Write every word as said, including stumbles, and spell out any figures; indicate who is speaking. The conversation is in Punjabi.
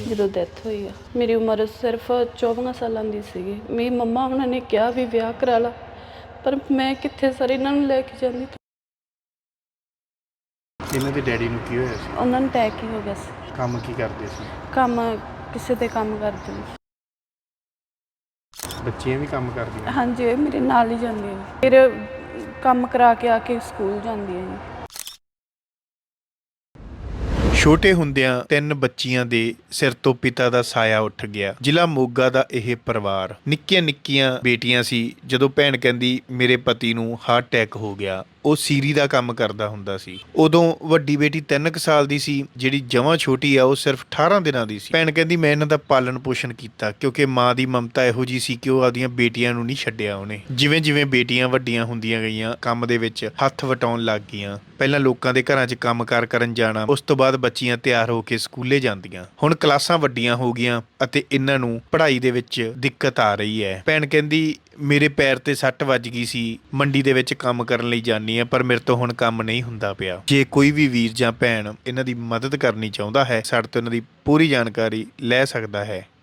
Speaker 1: ਜਦੋਂ ਡੈਥ ਹੋਈ ਆ। ਮੇਰੀ ਉਮਰ ਸਿਰਫ ਚੌਦਾਂ ਸਾਲਾਂ ਦੀ ਸੀਗੀ। ਮੇਰੀ ਮੰਮਾ ਉਹਨਾਂ ਨੇ ਕਿਹਾ ਵੀ ਵਿਆਹ ਕਰਾ ਲਾ, ਪਰ ਮੈਂ ਕਿੱਥੇ ਸਰ ਇਹਨਾਂ ਨੂੰ ਲੈ ਕੇ ਜਾਂਦੀ।
Speaker 2: ਇਹਨਾਂ ਦੇ ਡੈਡੀ ਨੂੰ ਕੀ ਹੋਇਆ ਸੀ?
Speaker 1: ਉਹਨਾਂ ਨੂੰ ਅਟੈਕ ਹੀ ਹੋ ਗਿਆ ਸੀ।
Speaker 2: ਕੰਮ ਕੀ ਕਰਦੇ ਸੀ?
Speaker 1: ਕੰਮ ਕਿਸੇ ਤੇ ਕੰਮ ਕਰਦੇ ਨੇ।
Speaker 2: ਬੱਚੀਆਂ ਵੀ ਕੰਮ ਕਰਦੀਆਂ?
Speaker 1: ਹਾਂਜੀ, ਇਹ ਮੇਰੇ ਨਾਲ ਹੀ ਜਾਂਦੀਆਂ ਨੇ। ਫਿਰ ਕੰਮ ਕਰਾ ਕੇ ਆ ਕੇ ਸਕੂਲ ਜਾਂਦੀਆਂ ਨੇ।
Speaker 3: ਛੋਟੇ ਹੁੰਦਿਆਂ ਤਿੰਨ ਬੱਚੀਆਂ ਦੇ ਸਿਰ ਤੋਂ ਪਿਤਾ ਦਾ ਸਾਇਆ ਉੱਠ ਗਿਆ। ਜ਼ਿਲ੍ਹਾ ਮੋਗਾ ਦਾ ਇਹ ਪਰਿਵਾਰ, ਨਿੱਕੀਆਂ ਨਿੱਕੀਆਂ ਬੇਟੀਆਂ ਸੀ। ਜਦੋਂ ਭੈਣ ਕਹਿੰਦੀ ਮੇਰੇ ਪਤੀ ਨੂੰ ਹਾਰਟ ਅਟੈਕ ਹੋ ਗਿਆ, ਉਹ ਸੀਰੀ ਦਾ ਕੰਮ ਕਰਦਾ ਹੁੰਦਾ ਸੀ। ਉਦੋਂ ਵੱਡੀ ਬੇਟੀ ਤਿੰਨ ਕੁ ਸਾਲ ਦੀ ਸੀ, ਜਿਹੜੀ ਜਮਾਂ ਛੋਟੀ ਆ ਉਹ ਸਿਰਫ ਅਠਾਰਾਂ ਦਿਨਾਂ ਦੀ ਸੀ। ਭੈਣ ਕਹਿੰਦੀ ਮੈਂ ਇਹਨਾਂ ਦਾ ਪਾਲਣ ਪੋਸ਼ਣ ਕੀਤਾ, ਕਿਉਂਕਿ ਮਾਂ ਦੀ ਮਮਤਾ ਇਹੋ ਜੀ ਸੀ ਕਿ ਉਹ ਆਪਦੀਆਂ ਬੇਟੀਆਂ ਨੂੰ ਨਹੀਂ ਛੱਡਿਆ ਉਹਨੇ। ਜਿਵੇਂ ਜਿਵੇਂ ਬੇਟੀਆਂ ਵੱਡੀਆਂ ਹੁੰਦੀਆਂ ਗਈਆਂ, ਕੰਮ ਦੇ ਵਿੱਚ ਹੱਥ ਵਟਾਉਣ ਲੱਗ ਗਈਆਂ। ਪਹਿਲਾਂ ਲੋਕਾਂ ਦੇ ਘਰਾਂ 'ਚ ਕੰਮਕਾਰ ਕਰਨ ਜਾਣਾ, ਉਸ ਤੋਂ ਬਾਅਦ ਬੱਚੀਆਂ ਤਿਆਰ ਹੋ ਕੇ ਸਕੂਲੇ ਜਾਂਦੀਆਂ। ਹੁਣ ਕਲਾਸਾਂ ਵੱਡੀਆਂ ਹੋ ਗਈਆਂ ਅਤੇ ਇਹਨਾਂ ਨੂੰ ਪੜ੍ਹਾਈ ਦੇ ਵਿੱਚ ਦਿੱਕਤ ਆ ਰਹੀ ਹੈ। ਭੈਣ ਕਹਿੰਦੀ ਮੇਰੇ ਪੈਰ ਤੇ ਸੱਟ ਵੱਜ ਗਈ ਸੀ, ਮੰਡੀ ਦੇ ਵਿੱਚ ਕੰਮ ਕਰਨ ਲਈ ਜਾਂਦੀ ਆ, ਪਰ ਮੇਰੇ ਤੋਂ ਹੁਣ ਕੰਮ ਨਹੀਂ ਹੁੰਦਾ ਪਿਆ। ਜੇ ਕੋਈ ਵੀ ਵੀਰ ਜਾਂ ਭੈਣ ਇਹਨਾਂ ਦੀ ਮਦਦ ਕਰਨੀ ਚਾਹੁੰਦਾ ਹੈ, ਸਾਡੇ ਤੋਂ ਇਹਨਾਂ ਦੀ ਪੂਰੀ ਜਾਣਕਾਰੀ ਲੈ ਸਕਦਾ ਹੈ।